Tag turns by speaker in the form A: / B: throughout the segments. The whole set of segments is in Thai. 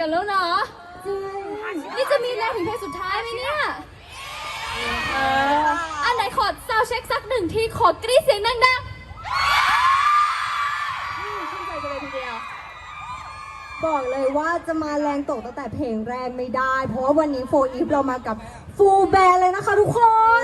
A: กันแล้วเนาะนี่จะมีแรงถึงเพลงสุดท้ายไหมเนี่ยอันไหนขอซาวเช็คสักหนึ่งทีขอกรี๊ดเสียงดังๆชื่นใจกันเลยทีเดียว
B: บอกเลยว่าจะมาแรงตกตั้งแต่เพลงแรกไม่ได้เพราะว่าวันนี้4 EVE เรามากับฟูลแบนด์เลยนะคะทุกคน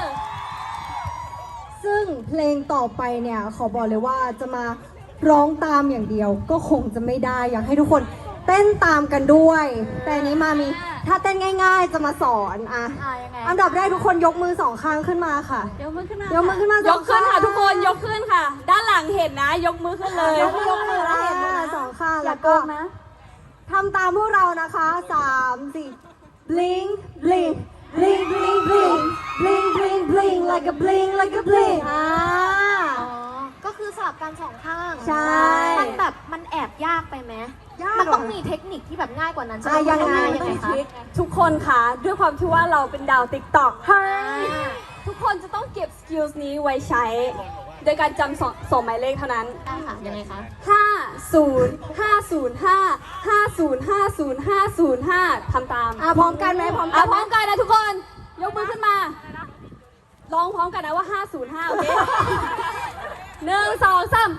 B: ซึ่งเพลงต่อไปเนี่ยขอบอกเลยว่าจะมาร้องตามอย่างเดียวก็คงจะไม่ได้อยากให้ทุกคนเต้นตามกันด้วยแต่นี้มามีถ้าเต้นง่ายๆจะมาสอนอันดับแรกทุกคนยกมือ2 ข้างขึ้นมาค่ะ
A: ยกมือขึ้นมาย
B: กมือขึ้นมาย
A: กขึ้นค่ะทุกคนยกขึ้นค่ะด้านหลังเห็นนะยกมือขึ้นเลย
B: ยกมือแล้วเห็นนะ2 ข้างแล้วก็ทำตามพวกเรานะคะ3 4 blink blink blink blink blink blink blink blink like a blink like a blink
C: ก็คือสลับกัน2 ข้าง
B: ใช่
C: มันแบบมันแอบยากไปไหมมันต้องมีเทคนิคที่แบบง่ายกว่านั้นใช่ไหม
B: ยังไง
C: คะ
A: ทุกคนค่ะด้วยความที่ว่าเราเป็นดาวติ๊กต็อกทุกคนจะต้องเก็บสกิลนี้ไว้ใช้โดยการจำ2 หมายเลขเท่านั้น
C: ค่ะยังไงคะ
A: 50 505050505ทำตาม
B: พร้อมกันไหมพร้อม
A: กันนะทุกคนยกมือขึ้นมาร้องพร้อมกันนะว่า505โอเค1 2 3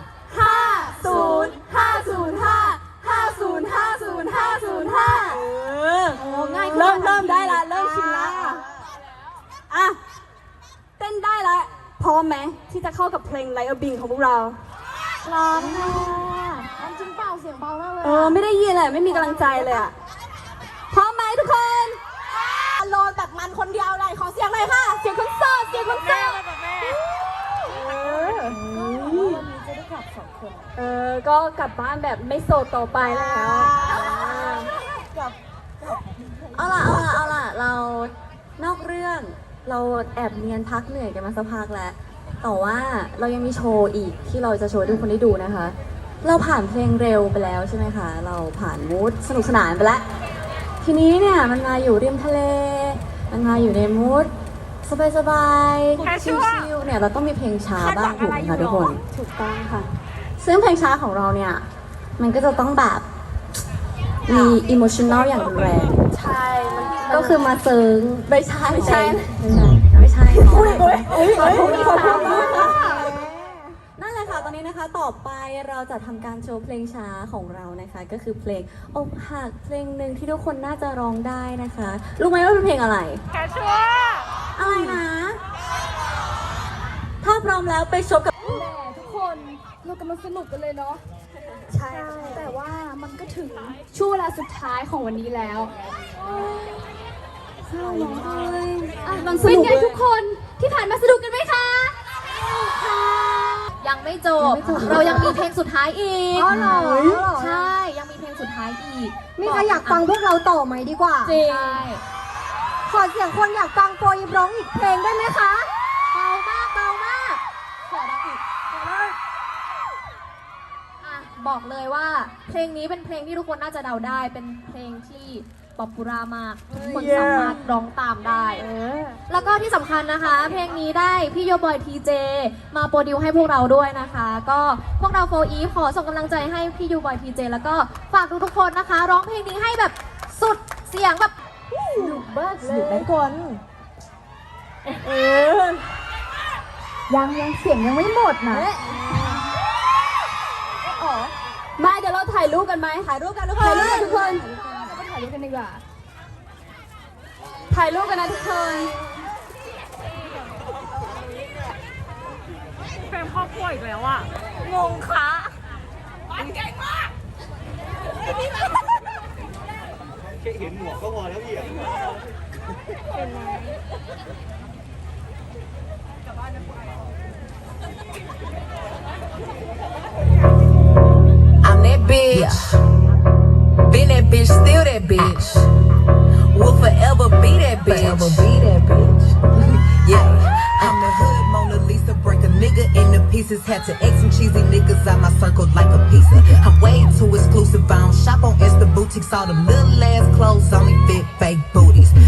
A: 50 505050505
C: ง่าย
A: เริ่มได้ละเริ่มชินละอ่ะเต้นได้ละพร้อมไหมที่จะเข้ากับเพลง Like a Bing ของพวกเรา
C: พร้อมค่ะมันจริงเปล่าเสียงเบามากเลย
A: ไม่ได้ยินเลยไม่มีกำลังใจเลยอ่ะพร้อมไหมทุกคน
B: โลนแบบมันคนเดียวเลยขอเสียงหน่อยค่ะ
A: เสียงคนโสดเสียงคนโสด
C: วันนี้จะได้กลับ2 คน
A: ก็กลับบ้านแบบไม่โสดต่อไปแล้ว
D: เอาล่ะเรานอกเรื่องเราแอบเนียนพักเหนื่อยกันมาสักพักแล้วแต่ว่าเรายังมีโชว์อีกที่เราจะโชว์ให้ทุกคนได้ดูนะคะเราผ่านเพลงเร็วไปแล้วใช่ไหมคะเราผ่านมูดสนุกสนานไปแล้วทีนี้เนี่ยมันมาอยู่ริมทะเลมันมาอยู่ในมูดสบายๆชิลๆเนี่ยเราต้องมีเพลงช้าบ้างถูกไหมคะทุกคน
A: ถูกต้องค่ะ
D: ซึ่งเพลงช้าของเราเนี่ยมันก็จะต้องแบบมีอิโมชันแนลอย่างรุนแรง
A: ใช่มัน
D: ก็คือมาเซิงไม่ใช่
A: ไม่ใช่
D: นั่นแหละค่ะตอนนี้นะคะต่อไปเราจะทำการโชว์เพลงช้าของเรานะคะก็คือเพลงอกหักเพลงหนึ่งที่ทุกคนน่าจะร้องได้นะคะรู้ไหมว่าเป็นเพลงอะไร
A: แคชชัว
D: อะไรนะถ้าพร้อมแล้วไปชมกับ
A: ทุกคนเรากำลังสนุกกันเลยเนาะใช่แต่ว่ามันก็ถึงช่วงเวลาสุดท้ายของวันนี้แล้วเป็นไงทุกคนที่ผ่านมาสนุกกันไหมคะ
C: ยังไม่จบเรายังมีเพลงสุดท้ายอีกใช่ยังมีเพลงสุดท้ายอีก
B: มีใครอยากฟังพวกเราต่อไหมดีกว่า
A: จริง
B: ขอเสียงคนอยากฟัง4 EVEร้องอีกเพลงได้ไหมคะ
C: เบามากขอดังอีกบอกเลยว่าเพลงนี้เป็นเพลงที่ทุกคนน่าจะเดาได้เป็นเพลงที่ป๊อปปูล่ามากทุกคนสามารถร้องตามได้แล้วก็ที่สำคัญนะคะเพลงนี้ได้พี่โยบอยทีเจมาโปรดิวให้พวกเราด้วยนะคะก็พวกเรา4 EVEขอส่งกำลังใจให้พี่โยบอยทีเจแล้วก็ฝากทุกคนนะคะร้องเพลงนี้ให้แบบสุดเสียงแบบ
B: สนุกมากเลยทุกคนยังเสียงยังไม่หมดนะ
A: มาเดี๋ยวเราถ่ายรูปกันไหมถ่ายรูปกันทุกคนถ่ายรูปกันทุกคนถ่ายรูปกันดีกว่าถ่ายรูปกันนะทุกคนเป็นครอบครัวอีกแล้วอ่ะงงคะมันเก่งมาก
E: แค่เห็นหมวกก็พอแล้วพี่เป็นไร
F: bitch. Been that bitch, still that bitch. Will forever be that bitch. Yeah. I'm the hood Mona Lisa, break a nigga into pieces. Had to X some cheesy niggas out my circle like a pizza. I'm way too exclusive. I don't shop on Insta boutiques. All them little ass clothes only fit fake booties.